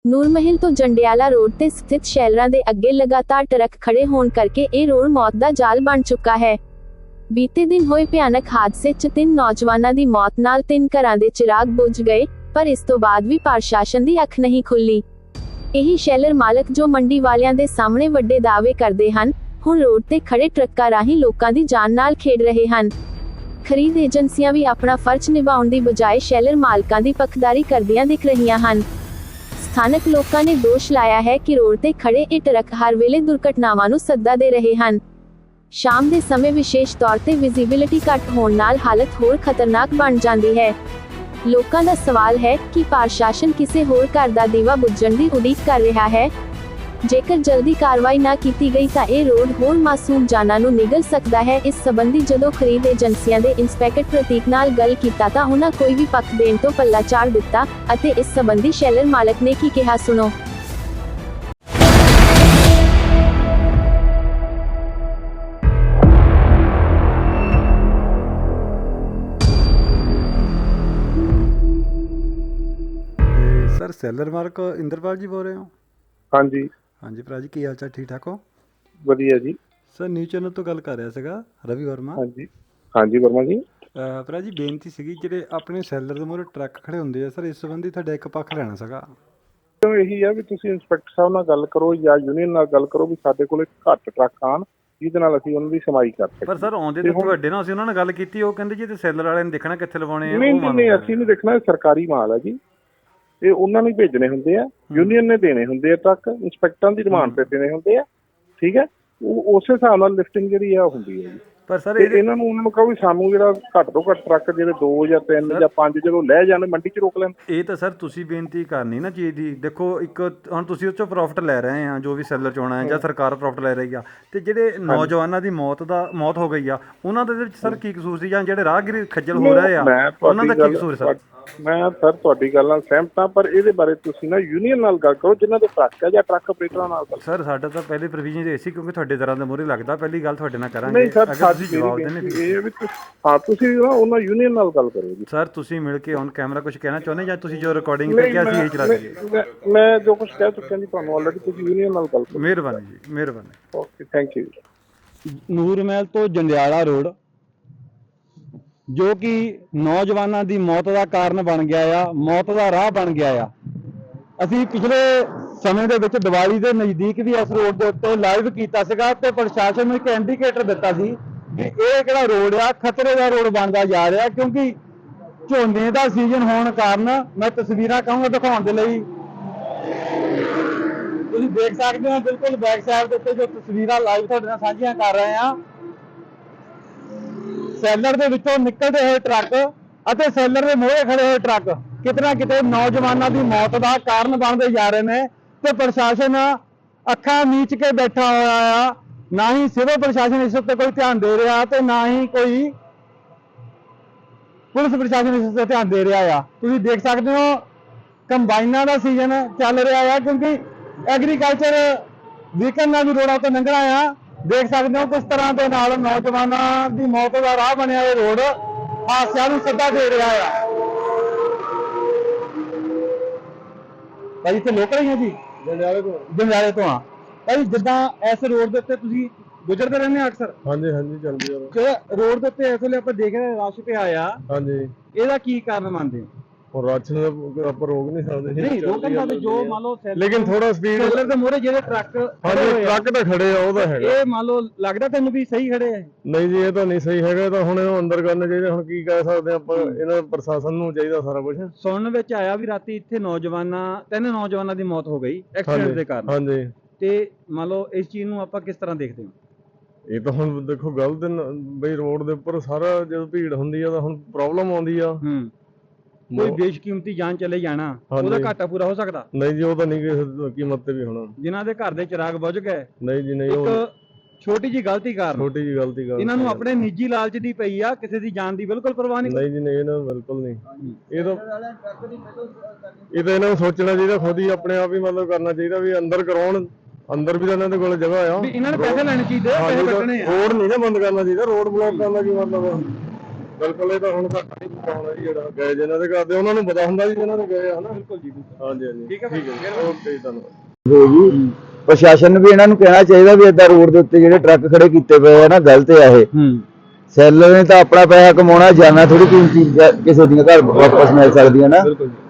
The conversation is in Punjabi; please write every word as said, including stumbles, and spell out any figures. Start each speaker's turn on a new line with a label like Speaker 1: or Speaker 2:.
Speaker 1: ਨੂਰਮਹਿਲ ਤੋਂ ਜੰਡਿਆਲਾ ਰੋਡ ਤੇ ਸਥਿਤ ਸ਼ੈਲਰਾਂ ਦੇ ਅੱਗੇ ਲਗਾਤਾਰ ਟਰੱਕ ਖੜੇ ਹੋਣ ਕਰਕੇ ਇਹ ਰੋਡ ਮੌਤ ਦਾ ਜਾਲ ਬਣ ਚੁੱਕਾ ਹੈ। ਬੀਤੇ ਦਿਨ ਹੋਏ ਭਿਆਨਕ ਹਾਦਸੇ 'ਚ ਤਿੰਨ ਨੌਜਵਾਨਾਂ ਦੀ ਮੌਤ ਨਾਲ ਤਿੰਨ ਘਰਾਂ ਦੇ ਚਿਰਾਗ ਬੁਝ ਗਏ, ਪਰ ਇਸ ਤੋਂ ਬਾਅਦ ਵੀ ਪ੍ਰਸ਼ਾਸਨ ਦੀ ਅੱਖ ਨਹੀਂ ਖੁੱਲੀ। ਇਹੀ ਸ਼ੈਲਰ ਮਾਲਕ ਜੋ ਮੰਡੀ ਵਾਲਿਆਂ ਦੇ ਸਾਹਮਣੇ ਵੱਡੇ ਦਾਅਵੇ ਕਰਦੇ ਹਨ, ਹੁਣ ਰੋਡ ਤੇ ਖੜੇ ਟਰੱਕਾਂ ਰਾਹੀਂ ਲੋਕਾਂ ਦੀ ਜਾਨ ਨਾਲ ਖੇਡ ਰਹੇ ਹਨ। ਖਰੀਦ ਏਜੰਸੀਆਂ ਵੀ ਆਪਣਾ ਫਰਜ਼ ਨਿਭਾਉਣ ਦੀ ਬਜਾਏ ਸ਼ੈਲਰ ਮਾਲਕਾਂ ਦੀ ਪੱਖਦਾਰੀ ਕਰਦੀਆਂ ਦਿਖ ਰਹੀਆਂ ਹਨ। ਸਥਾਨਕ ਲੋਕਾਂ ਨੇ ਦੋਸ਼ ਲਾਇਆ ਹੈ ਕਿ ਰੋਡ ਤੇ ਖੜੇ ਇਹ ਟਰੱਕ ਹਰ ਵੇਲੇ ਦੁਰਘਟਨਾਵਾਂ ਨੂੰ ਸੱਦਾ ਦੇ ਰਹੇ ਹਨ। ਸ਼ਾਮ ਦੇ ਸਮੇਂ ਵਿਸ਼ੇਸ਼ ਤੌਰ ਤੇ ਵਿਜ਼ਿਬਿਲਿਟੀ ਘੱਟ ਹੋਣ ਨਾਲ ਹਾਲਤ ਹੋਰ ਖਤਰਨਾਕ ਬਣ ਜਾਂਦੀ ਹੈ। ਲੋਕਾਂ ਦਾ ਸਵਾਲ ਹੈ ਕਿ ਪ੍ਰਸ਼ਾਸਨ ਕਿਸੇ ਹੋਰ ਘਰ ਦਾ ਦੀਵਾ ਬੁੱਝਣ ਦੀ ਉਡੀਕ ਕਰ ਰਿਹਾ ਹੈ। ਜੇਕਰ ਜਲਦੀ ਕਾਰਵਾਈ ਨਾ ਕੀਤੀ ਗਈ ਤਾਂ ਇਹ ਰੋਡ ਹੋਰ ਮਾਸੂਮ ਜਾਨਾਂ ਨੂੰ ਨਿਗਲ ਸਕਦਾ ਹੈ। ਇਸ ਸੰਬੰਧੀ ਜਦੋਂ ਖਰੀਦ ਏਜੰਸੀਆਂ ਦੇ ਇੰਸਪੈਕਟਰ ਪ੍ਰਤੀਕ ਨਾਲ ਗੱਲ ਕੀਤਾ ਤਾਂ ਉਹਨਾਂ ਕੋਈ ਵੀ ਪੱਖ ਦੇਣ ਤੋਂ ਪੱਲਾ ਝਾੜ ਦਿੱਤਾ ਅਤੇ ਇਸ ਸੰਬੰਧੀ ਸ਼ੈਲਰ ਮਾਲਕ ਨੇ ਕੀ ਕਿਹਾ ਸੁਣੋ।
Speaker 2: सर सैलर मार्क इंद्रपाल जी बोल रहे हो?
Speaker 3: हाँ जी
Speaker 2: हाँ जी भरा जी की हाल चाल ठीक ठाक हो?
Speaker 3: ਵਧੀਆ ਜੀ।
Speaker 2: सर न्यूज़ चैनल ਤੋਂ ਗੱਲ ਕਰ ਰਿਹਾ ਸੀਗਾ ਰਵੀ ਵਰਮਾ।
Speaker 3: हाँ जी हाँ जी वर्मा जी।
Speaker 2: ਭਰਾ ਜੀ ਬੇਨਤੀ ਸੀਗੀ ਜਿਹੜੇ ਆਪਣੇ ਸੈਲਰ ਦੇ ਮੂਹਰੇ ਟਰੱਕ ਖੜੇ ਹੁੰਦੇ ਆ ਸਰ, ਇਸ ਸੰਬੰਧੀ ਤੁਹਾਡਾ ਇੱਕ ਪੱਖ ਲੈਣਾ ਸੀਗਾ।
Speaker 3: ਤਾਂ ਇਹੀ ਆ ਵੀ ਤੁਸੀਂ ਇੰਸਪੈਕਟਰ ਸਾਹਿਬ ਨਾਲ ਗੱਲ ਕਰੋ ਜਾਂ ਯੂਨੀਅਨ ਨਾਲ ਗੱਲ ਕਰੋ ਵੀ ਸਾਡੇ ਕੋਲ ਘੱਟ ਟਰੱਕ ਆਣ ਜਿਹਦੇ ਨਾਲ ਅਸੀਂ ਉਹਨਾਂ ਦੀ ਸਮਾਈ ਕਰ ਸਕੀਏ।
Speaker 4: ਪਰ ਸਰ ਆਉਂਦੇ ਤੇ ਤੁਹਾਡੇ ਨਾਲ ਅਸੀਂ ਉਹਨਾਂ ਨਾਲ ਗੱਲ ਕੀਤੀ, ਉਹ ਕਹਿੰਦੇ ਜੀ ਤੇ ਸੈਲਰ ਵਾਲਿਆਂ ਨੇ ਦੇਖਣਾ ਕਿੱਥੇ ਲਵਾਉਣੇ ਆ।
Speaker 3: ਨਹੀਂ ਨਹੀਂ ਅਸੀਂ ਨਹੀਂ ਦੇਖਣਾ, ਸਰਕਾਰੀ ਮਾਲ ਆ ਜੀ, ਇਹ ਉਹਨਾਂ ਨੂੰ ਭੇਜਣੇ ਹੁੰਦੇ ਆ, ਯੂਨੀਅਨ ਨੇ ਦੇਣੇ ਹੁੰਦੇ ਆ ਟਰੱਕ, ਇੰਸਪੈਕਟਰਾਂ ਦੀ ਡਿਮਾਂਡ ਤੇ ਦੇਣੇ ਹੁੰਦੇ ਆ, ਠੀਕ ਹੈ। ਉਹ ਉਸੇ ਹਿਸਾਬ ਨਾਲ ਲਿਫਟਿੰਗ ਜਿਹੜੀ ਆ ਹੁੰਦੀ ਹੈ ਜੀ।
Speaker 4: ਪਰ ਸਰ
Speaker 3: ਇਹਨਾਂ ਨੂੰ ਉਹਨਾਂ ਨੂੰ ਕਹੋ ਵੀ ਸਾਨੂੰ ਜਿਹੜਾ ਘੱਟ ਤੋਂ ਘੱਟ ਟਰੱਕ ਜਿਹੜੇ ਦੋ ਜਾਂ ਤਿੰਨ ਜਾਂ ਪੰਜ ਜਦੋਂ ਲੈ ਜਾਣ ਮੰਡੀ 'ਚ ਰੋਕ ਲੈਣ।
Speaker 4: ਇਹ ਤਾਂ ਸਰ ਤੁਸੀਂ ਬੇਨਤੀ ਕਰਨੀ ਨਾ ਚੀਜ਼ ਦੀ। ਦੇਖੋ ਇੱਕ ਹੁਣ ਤੁਸੀਂ ਉਹ 'ਚੋਂ ਪ੍ਰੋਫਿਟ ਲੈ ਰਹੇ ਆ, ਜੋ ਵੀ ਸੈਲਰ 'ਚ ਆਉਣਾ ਹੈ ਜਾਂ ਸਰਕਾਰ ਪ੍ਰੋਫਿਟ ਲੈ ਰਹੀ ਆ, ਤੇ ਜਿਹੜੇ ਨੌਜਵਾਨਾਂ ਦੀ ਮੌਤ ਦਾ ਮੌਤ ਹੋ ਗਈ ਆ ਉਹਨਾਂ ਦੇ ਵਿੱਚ ਸਰ ਕੀ ਕਸੂਰ ਸੀ, ਜਾਂ ਜਿਹੜੇ ਰਾਹਗੀਰ ਖੱਜਲ ਹੋ ਰਹੇ ਆ ਉਹਨਾਂ ਦਾ ਕੀ ਕਸੂਰ ਸਰ?
Speaker 3: ਮੈਂ ਸਰ ਤੁਹਾਡੀ ਗੱਲ ਨਾਲ ਸਹਿਮਤ ਹਾਂ, ਪਰ ਇਹਦੇ ਬਾਰੇ ਤੁਸੀਂ ਨਾ ਯੂਨੀਅਨ ਨਾਲ ਗੱਲ ਕਰੋ ਜਿਨ੍ਹਾਂ ਦੇ ਟਰੱਕ ਹੈ ਜਾਂ ਟਰੱਕ ਆਪਰੇਟਰਾਂ ਨਾਲ ਗੱਲ।
Speaker 4: ਸਰ ਸਾਡਾ ਤਾਂ ਪਹਿਲੇ ਪ੍ਰੋਵੀਜ਼ਨ ਇਹ ਸੀ ਕਿਉਂਕਿ ਤੁਹਾਡੇ ਤਰ੍ਹਾਂ ਦੇ ਮੂਹਰੇ ਲੱਗਦਾ, ਪਹਿਲੀ ਗੱਲ ਤੁਹਾਡੇ ਨਾਲ ਕਰਾਂਗੇ।
Speaker 3: ਨਹੀਂ ਸਰ ਸਾਡੀ ਜਵਾਬ ਦੇਣੇ ਇਹ ਵੀ ਹਾਂ ਤੁਸੀਂ ਨਾ ਉਹਨਾਂ ਯੂਨੀਅਨ ਨਾਲ ਗੱਲ ਕਰੋ ਜੀ।
Speaker 4: ਸਰ ਤੁਸੀਂ ਮਿਲ ਕੇ ਔਨ ਕੈਮਰਾ ਕੁਝ ਕਹਿਣਾ ਚਾਹੁੰਦੇ ਜਾਂ ਤੁਸੀਂ ਜੋ ਰਿਕਾਰਡਿੰਗ ਤੇ ਕਿਹਾ ਸੀ ਇਹ ਚਲਾ ਦਈਏ?
Speaker 3: ਮੈਂ ਜੋ ਕੁਝ ਕਹਿ ਚੁੱਕਿਆ ਜੀ ਤੁਹਾਨੂੰ ਆਲਰੇਡੀ, ਤੁਸੀਂ ਯੂਨੀਅਨ ਨਾਲ ਗੱਲ ਕਰੋ।
Speaker 4: ਮਿਹਰਬਾਨੀ ਜੀ, ਮਿਹਰਬਾਨੀ।
Speaker 3: Okay thank you.
Speaker 5: ਨੂਰਮਹਿਲ ਤੋਂ ਜੰਡਿਆਲਾ ਰੋਡ ਜੋ ਕਿ ਨੌਜਵਾਨਾਂ ਦੀ ਮੌਤ ਦਾ ਕਾਰਨ ਬਣ ਗਿਆ ਆ, ਮੌਤ ਦਾ ਰਾਹ ਬਣ ਗਿਆ ਆ। ਅਸੀਂ ਪਿਛਲੇ ਸਮੇਂ ਦੇ ਵਿੱਚ ਦੀਵਾਲੀ ਦੇ ਨਜ਼ਦੀਕ ਵੀ ਇਸ ਰੋਡ ਦੇ ਉੱਤੇ ਲਾਈਵ ਕੀਤਾ ਸੀਗਾ ਤੇ ਪ੍ਰਸ਼ਾਸਨ ਨੂੰ ਇੱਕ ਇੰਡੀਕੇਟਰ ਦਿੱਤਾ ਸੀ ਕਿ ਇਹ ਕਿਹੜਾ ਰੋਡ ਆ ਖਤਰੇ ਦਾ ਰੋਡ ਬਣਦਾ ਜਾ ਰਿਹਾ, ਕਿਉਂਕਿ ਝੋਨੇ ਦਾ ਸੀਜ਼ਨ ਹੋਣ ਕਾਰਨ ਮੈਂ ਤਸਵੀਰਾਂ ਕਹਾਂਗਾ ਦਿਖਾਉਣ ਦੇ ਲਈ। ਤੁਸੀਂ ਦੇਖ ਸਕਦੇ ਹੋ ਬਿਲਕੁਲ ਬੈਕ ਸਾਈਡ ਦੇ ਉੱਤੇ ਜੋ ਤਸਵੀਰਾਂ ਲਾਈਵ ਤੁਹਾਡੇ ਨਾਲ ਸਾਂਝੀਆਂ ਕਰ ਰਹੇ ਆ, ਸੈਲਰ ਦੇ ਵਿੱਚੋਂ ਨਿਕਲਦੇ ਹੋਏ ਟਰੱਕ ਅਤੇ ਸੈਲਰ ਦੇ ਮੂਹਰੇ ਖੜੇ ਹੋਏ ਟਰੱਕ ਕਿਤੇ ਨਾ ਕਿਤੇ ਨੌਜਵਾਨਾਂ ਦੀ ਮੌਤ ਦਾ ਕਾਰਨ ਬਣਦੇ ਜਾ ਰਹੇ ਨੇ ਤੇ ਪ੍ਰਸ਼ਾਸਨ ਅੱਖਾਂ ਮੀਚ ਕੇ ਬੈਠਾ ਹੋਇਆ ਆ। ਨਾ ਹੀ ਸਿਵਲ ਪ੍ਰਸ਼ਾਸਨ ਇਸ ਉੱਤੇ ਕੋਈ ਧਿਆਨ ਦੇ ਰਿਹਾ ਤੇ ਨਾ ਹੀ ਕੋਈ ਪੁਲਿਸ ਪ੍ਰਸ਼ਾਸਨ ਇਸ ਉੱਤੇ ਧਿਆਨ ਦੇ ਰਿਹਾ ਆ। ਤੁਸੀਂ ਦੇਖ ਸਕਦੇ ਹੋ ਕੰਬਾਈਨਾਂ ਦਾ ਸੀਜ਼ਨ ਚੱਲ ਰਿਹਾ ਆ, ਕਿਉਂਕਿ ਐਗਰੀਕਲਚਰ ਵੀਕਨ ਨਾਲ ਵੀ ਰੋਡਾਂ ਤੋਂ ਲੰਘਣਾ ਆ। ਦੇਖ ਸਕਦੇ ਹੋ ਕਿਸ ਤਰ੍ਹਾਂ ਦੇ ਨਾਲ ਨੌਜਵਾਨਾਂ ਦੀ ਮੌਤ ਦਾ ਰਾਹ ਬਣਿਆ ਇਹ ਰੋਡ ਹਾਦਸਿਆਂ ਨੂੰ ਸੱਦਾ ਦੇ ਰਿਹਾ ਆ। ਭਾਈ ਇੱਥੇ ਲੋਕਲ ਹੀ ਆ ਜੀ, ਜੰਡਿਆਲੇ ਤੋਂ ਜੰਡਿਆਲੇ ਤੋਂ ਆ ਭਾਈ। ਜਿੱਦਾਂ ਇਸ ਰੋਡ ਦੇ ਉੱਤੇ ਤੁਸੀਂ ਗੁਜ਼ਰਦੇ ਰਹਿੰਦੇ ਅਕਸਰ? ਹਾਂਜੀ ਹਾਂਜੀ ਚੱਲਦੀ ਆ। ਜਿਹੜਾ ਰੋਡ ਦੇ ਉੱਤੇ ਇਸ ਵੇਲੇ ਆਪਾਂ ਦੇਖ ਰਹੇ ਰਸ਼ ਪਿਆ ਆ, ਹਾਂਜੀ, ਇਹਦਾ ਕੀ ਕਾਰਨ ਮੰਨਦੇ ਹੋ? और राशन ਆਪਾਂ ਰੋਕ ਨਹੀਂ ਸਕਦੇ ਨਹੀਂ ਰੋਕਣ ਦਾ ਜੋ ਮੰਨ ਲਓ ਲੇਕਿਨ ਥੋੜਾ ਸਪੀਡ ਸੈਲਰ ਦੇ ਮੂਹਰੇ ਜਿਹੜੇ ਟਰੱਕ ਹਾਂਜੀ ਟਰੱਕ ਤਾਂ ਖੜੇ ਆ ਉਹਦਾ ਹੈਗਾ, ਇਹ ਮੰਨ ਲਓ ਲੱਗਦਾ ਤੈਨੂੰ ਵੀ ਸਹੀ ਖੜੇ ਆ? ਨਹੀਂ ਜੀ ਇਹ ਤਾਂ ਨਹੀਂ ਸਹੀ ਹੈਗਾ, ਤਾਂ ਹੁਣ ਇਹਨੂੰ ਅੰਦਰ ਕਰਨਾ ਚਾਹੀਦਾ। ਹੁਣ ਕੀ ਕਹਿ ਸਕਦੇ ਆਪਾਂ, ਇਹਨਾਂ ਪ੍ਰਸ਼ਾਸਨ ਨੂੰ ਚਾਹੀਦਾ ਸਾਰਾ ਕੁਝ। ਸੁਣਨ ਵਿੱਚ ਆਇਆ ਵੀ ਰਾਤੀ ਇੱਥੇ ਨੌਜਵਾਨਾਂ ਤਿੰਨ ਨੌਜਵਾਨਾਂ ਦੀ ਮੌਤ ਹੋ ਗਈ ਐਕਸੀਡੈਂਟ ਦੇ ਕਾਰਨ। ਹਾਂਜੀ ਤੇ ਮੰਨ ਲਓ ਇਸ ਚੀਜ਼ ਨੂੰ ਆਪਾਂ ਕਿਸ ਤਰ੍ਹਾਂ ਦੇਖਦੇ ਹਾਂ? ਇਹ ਤਾਂ ਹੁਣ ਦੇਖੋ ਗਲਤ ਬਈ ਰੋਡ ਦੇ ਉੱਪਰ ਸਾਰਾ ਜਦੋਂ ਭੀੜ ਹੁੰਦੀ ਆ ਤਾਂ ਹੁਣ ਪ੍ਰੋਬਲਮ ਆਉਂਦੀ ਆ। ਹੂੰ ਕੋਈ ਬੇਸ਼ਕੀਮਤੀ ਜਾਨ ਚਲੇ ਜਾਣਾ ਉਹਦਾ ਘਾਟਾ ਪੂਰਾ ਹੋ ਸਕਦਾ? ਨਹੀਂ ਜੀ ਉਹ ਤਾਂ ਨਹੀਂ ਕਿਸੇ ਕੀਮਤ ਤੇ ਵੀ ਹੋਣਾ। ਜਿਨ੍ਹਾਂ ਦੇ ਘਰ ਦੇ ਚਿਰਾਗ ਬੁਝ ਗਏ ਨਹੀਂ ਜੀ ਨਹੀਂ, ਇੱਕ ਛੋਟੀ ਜੀ ਗਲਤੀ ਕਾਰਨ ਛੋਟੀ ਜੀ ਗਲਤੀ ਕਾਰਨ ਇਹਨਾਂ ਨੂੰ ਆਪਣੇ ਨਿੱਜੀ ਲਾਲਚ ਦੀ ਪਈ ਆ, ਕਿਸੇ ਦੀ ਜਾਨ ਦੀ ਬਿਲਕੁਲ ਪਰਵਾਹ ਨਹੀਂ। ਨਹੀਂ ਜੀ ਨਹੀਂ ਇਹਨਾਂ ਨੂੰ ਬਿਲਕੁਲ ਨਹੀਂ। ਇਹ ਤਾਂ ਇਹ ਤਾਂ ਇਹਨਾਂ ਨੂੰ ਸੋਚਣਾ ਚਾਹੀਦਾ, ਖੁਦ ਹੀ ਆਪਣੇ ਆਪ ਹੀ ਮਤਲਬ ਕਰਨਾ ਚਾਹੀਦਾ ਵੀ ਅੰਦਰ ਕਰਾਉਣ। ਅੰਦਰ ਵੀ ਤਾਂ ਇਹਨਾਂ ਦੇ ਕੋਲ ਜਗ੍ਹਾ ਆ, ਇਹਨਾਂ ਨੇ ਪੈਸੇ ਲੈਣੇ ਚਾਹੀਦੇ, ਪੈਸੇ ਕੱਟਣੇ ਆ। ਰੋਡ ਨਹੀਂ ਨਾ ਬੰਦ ਕਰਨਾ ਚਾਹੀਦਾ, ਰੋਡ ਬਲੌਕ ਕਰਨ ਦਾ ਕੀ ਮਤਲਬ ਹੈ? ਬਿਲਕੁਲ ਇਹ ਤਾਂ ਹੁਣ ਘੱਟ ਨਹੀਂ ਪਾਉਣਾ ਜੀ, ਜਿਹੜਾ ਗਏ ਜਿਹਨਾਂ ਦੇ ਕਰਦੇ ਉਹਨਾਂ ਨੂੰ ਪਤਾ ਹੁੰਦਾ ਜੀ ਜਿਹਨਾਂ ਦੇ ਗਏ ਹਨਾ। ਬਿਲਕੁਲ ਜੀ ਹਾਂਜੀ ਹਾਂਜੀ ਠੀਕ ਹੈ ਠੀਕ ਹੈ ਓਕੇ ਧੰਨਵਾਦ ਜੀ।
Speaker 6: ਪ੍ਰਸ਼ਾਸਨ ਨੂੰ ਵੀ ਇਹਨਾਂ ਨੂੰ ਕਹਿਣਾ ਚਾਹੀਦਾ ਵੀ ਏਦਾਂ ਰੋਡ ਦੇ ਉੱਤੇ ਜਿਹੜੇ ਟਰੱਕ ਖੜੇ ਕੀਤੇ ਪਏ ਆ ਨਾ ਗਲਤ ਆ ਇਹ। ਸੈਲਰ ਨੇ ਤਾਂ ਆਪਣਾ ਪੈਸਾ ਕਮਾਉਣਾ, ਜਾਨਾ ਥੋੜੀ ਕੋਈ ਚੀਜ਼ ਕਿਸੇ ਦੀਆਂ ਘਰ ਵਾਪਸ ਮਿਲ ਸਕਦੀਆਂ ਨਾ।